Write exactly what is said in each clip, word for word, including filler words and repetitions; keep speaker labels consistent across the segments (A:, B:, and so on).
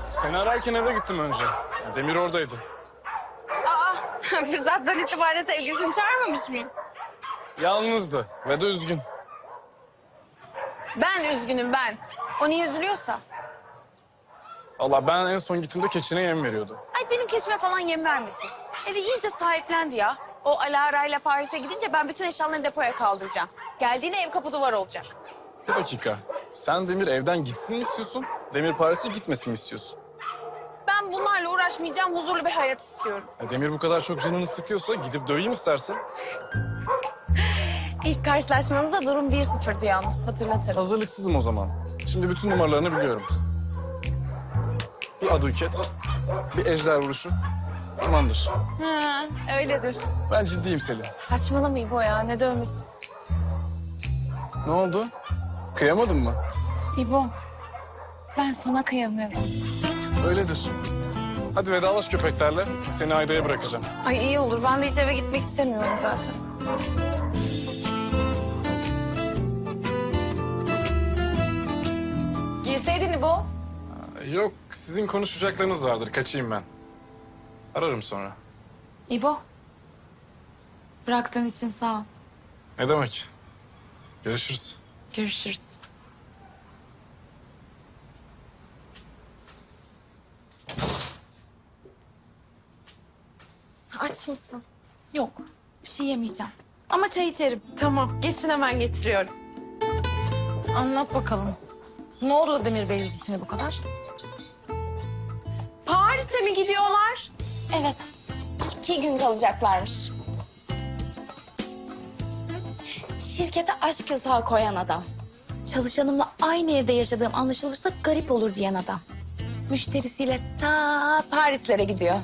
A: Seni ararken eve gittim önce. Demir oradaydı.
B: Aa, fırsattan itibaren sevgilisini çağırmamış mıyım?
A: Yalnızdı ve de üzgün.
B: Ben üzgünüm ben. O niye üzülüyorsa?
A: Allah ben en son gittiğimde keçine yem veriyordu.
B: Ay benim keçime falan yem vermesin. Evi iyice sahiplendi ya. O Alara ile Paris'e gidince ben bütün eşyalarını depoya kaldıracağım. Geldiğinde ev kapı duvar olacak.
A: Bir dakika. Sen Demir evden gitsin mi istiyorsun? Demir Paris'e gitmesin mi istiyorsun?
B: Ben bunlarla uğraşmayacağım, huzurlu bir hayat istiyorum.
A: Ya Demir bu kadar çok canını sıkıyorsa gidip döveyim istersen.
B: İlk karşılaşmanızda durum bir sıfırdı yalnız, hatırlatırım.
A: Hazırlıksızım o zaman. Şimdi bütün numaralarını biliyorum. Bir aduket, bir ejder vuruşu. Tamamdır.
B: Ha, öyledir.
A: Ben ciddiyim Selin.
B: Saçmalama İbo ya, ne dövmesi?
A: Ne oldu? Kıyamadın mı?
B: İbo, ben sana kıyamıyorum.
A: Öyledir. Hadi vedalaş köpeklerle. Seni Ayda'ya bırakacağım.
B: Ay iyi olur, ben de hiç eve gitmek istemiyorum zaten. Girseydin İbo.
A: Yok, sizin konuşacaklarınız vardır. Kaçayım ben. Ararım sonra.
B: İbo, bıraktığın için sağ ol.
A: Ne demek? Görüşürüz.
B: Görüşürüz. Aç mısın? Yok, bir şey yemeyeceğim. Ama çay içerim. Tamam, geçsin hemen getiriyorum.
C: Anlat bakalım. Ne oldu da Demir Bey'in içine bu kadar?
B: Paris'e mi gidiyorlar? Evet, iki gün kalacaklarmış. Şirkete aşk yasağı koyan adam. Çalışanımla aynı evde yaşadığım anlaşılırsa garip olur diyen adam. Müşterisiyle ta Parislere gidiyor.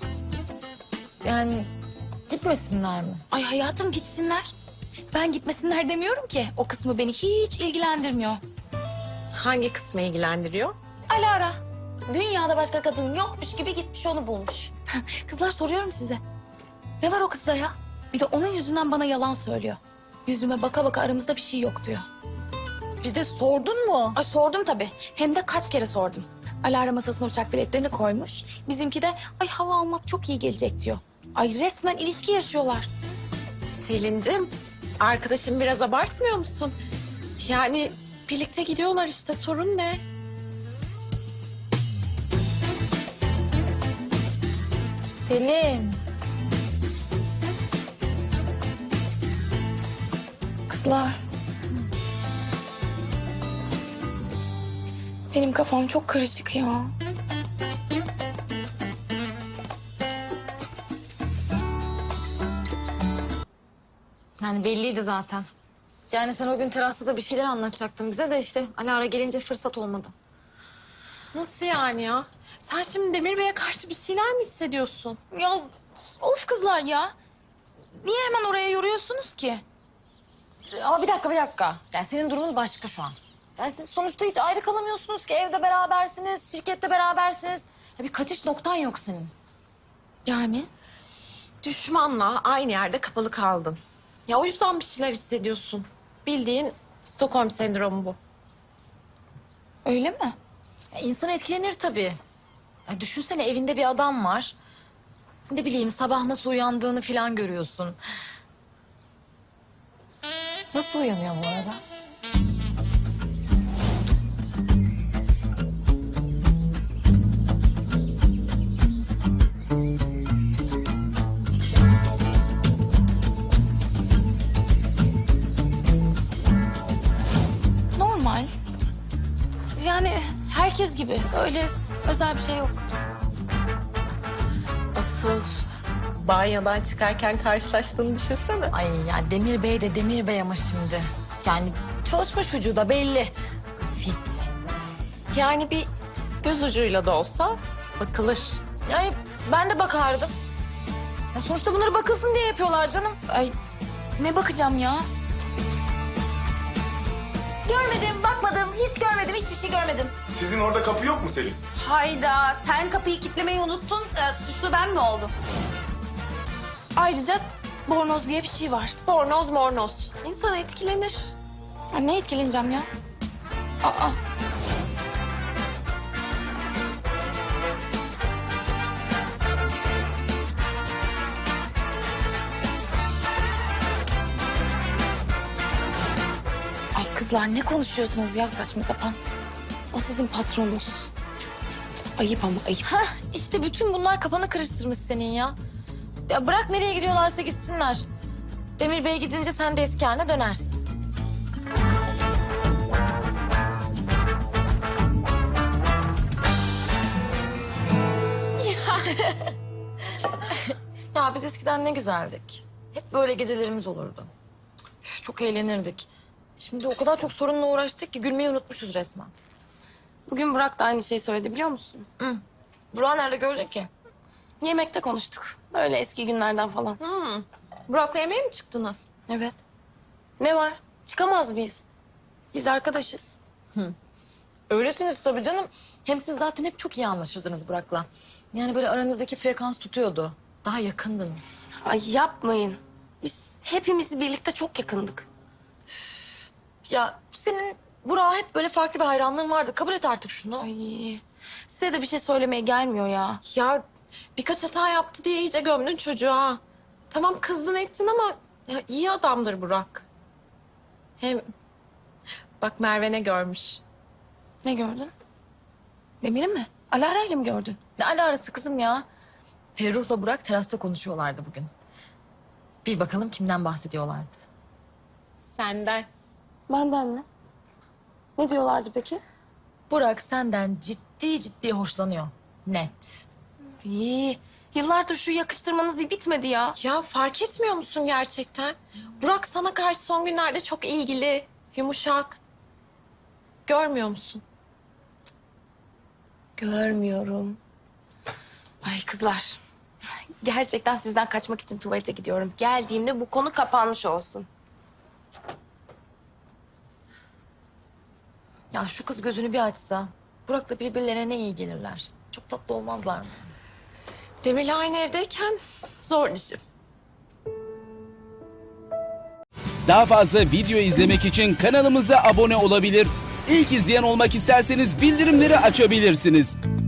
C: Yani gitmesinler mi?
B: Ay hayatım gitsinler. Ben gitmesinler demiyorum ki. O kısmı beni hiç ilgilendirmiyor.
D: Hangi kısmı ilgilendiriyor?
B: Alara. Dünyada başka kadın yokmuş gibi gitmiş onu bulmuş. Kızlar soruyorum size. Ne var o kızda ya? Bir de onun yüzünden bana yalan söylüyor. Yüzüme baka baka aramızda bir şey yok diyor.
C: Bir de sordun mu?
B: Ay sordum tabii. Hem de kaç kere sordum. Alara masasına uçak biletlerini koymuş. Bizimki de ay hava almak çok iyi gelecek diyor. Ay resmen ilişki yaşıyorlar.
D: Selin'cim, arkadaşım biraz abartmıyor musun? Yani birlikte gidiyorlar işte, sorun ne?
C: Selin.
B: Kızlar. Benim kafam çok karışık ya.
C: Yani belliydi zaten. Yani sen o gün terasta bir şeyler anlatacaktın bize de işte Alara gelince fırsat olmadı.
D: Nasıl yani ya? Sen şimdi Demir Bey'e karşı bir şeyler mi hissediyorsun?
B: Ya of kızlar ya. Niye hemen oraya yoruyorsunuz ki?
C: Ama bir dakika bir dakika. Yani senin durumun başka şu an. Yani siz sonuçta hiç ayrı kalamıyorsunuz ki. Evde berabersiniz, şirkette berabersiniz. Ya bir kaçış noktan yok senin.
B: Yani?
D: Düşmanla aynı yerde kapalı kaldın. Ya o yüzden bir şeyler hissediyorsun. Bildiğin Stockholm sendromu bu.
B: Öyle mi?
C: Ya insan etkilenir tabii. Ya düşünsene evinde bir adam var. Ne bileyim sabah nasıl uyandığını falan görüyorsun. Nasıl uyanıyor bu arada?
B: Normal. Yani herkes gibi. Öyle özel bir şey yok.
D: Asıl banyodan çıkarken karşılaştığını düşünsene.
C: Ay ya Demir Bey de Demir Bey ama şimdi. Yani çalışmış vücuda belli. Fit.
D: Yani bir göz ucuyla da olsa bakılır.
C: Yani ben de bakardım. Ya sonuçta bunları bakılsın diye yapıyorlar canım.
B: Ay ne bakacağım ya? Görmedim, bakmadım, hiç görmedim, hiçbir şey görmedim.
A: Sizin orada kapı yok mu Selin?
B: Hayda, sen kapıyı kilitlemeyi unuttun, e, suçlu ben mi oldum? Ayrıca bornoz diye bir şey var.
D: Bornoz mornoz. İnsan etkilenir.
B: Ya ne etkileneceğim ya? Aa, Kızlar ne konuşuyorsunuz ya saçma sapan? O sizin patronunuz. Ayıp ama ayıp.
C: Hah, işte bütün bunlar kafanı karıştırmış senin ya. Ya bırak nereye gidiyorlarsa gitsinler. Demir Bey gidince sen de eski haline dönersin. Ya biz eskiden ne güzeldik. Hep böyle gecelerimiz olurdu. Üf, çok eğlenirdik. Şimdi o kadar çok sorunla uğraştık ki gülmeyi unutmuşuz resmen.
B: Bugün Burak da aynı şeyi söyledi biliyor musun?
C: Hı. Burak'ı nerede gördün ki?
B: Yemekte konuştuk. Öyle eski günlerden falan.
D: Hmm. Burak'la yemeğe mi çıktınız?
B: Evet. Ne var? Çıkamaz mıyız? Biz arkadaşız.
C: Öylesiniz tabii canım. Hem siz zaten hep çok iyi anlaşırdınız Burak'la. Yani böyle aranızdaki frekans tutuyordu. Daha yakındınız.
B: Ay yapmayın. Biz hepimiz birlikte çok yakındık.
C: Ya senin Burak'a hep böyle farklı bir hayranlığın vardı. Kabul et artık şunu.
B: Ay, size de bir şey söylemeye gelmiyor ya.
D: Ya birkaç hata yaptı diye iyice gömdün çocuğa. Tamam kızdın ettin ama ya, iyi adamdır Burak. Hem bak Merve ne görmüş.
B: Ne gördün? Demir'i mi? Alara ile mi gördün?
C: Ne alakası kızım ya? Ferruh'la Burak terasta konuşuyorlardı bugün. Bir bakalım kimden bahsediyorlardı.
D: Senden.
B: Benden mi? Ne diyorlardı peki?
C: Burak senden ciddi ciddi hoşlanıyor. Net.
B: İyi. Yıllardır şu yakıştırmanız bir bitmedi ya.
D: Ya fark etmiyor musun gerçekten? Burak sana karşı son günlerde çok ilgili, yumuşak. Görmüyor musun?
B: Görmüyorum. Ay kızlar. Gerçekten sizden kaçmak için tuvalete gidiyorum. Geldiğimde bu konu kapanmış olsun.
C: Ya şu kız gözünü bir açsa. Burak'la birbirlerine ne iyi gelirler. Çok tatlı olmazlar mı?
D: Demir'le aynı evdeyken zor işim.
E: Daha fazla video izlemek için kanalımıza abone olabilir. İlk izleyen olmak isterseniz bildirimleri açabilirsiniz.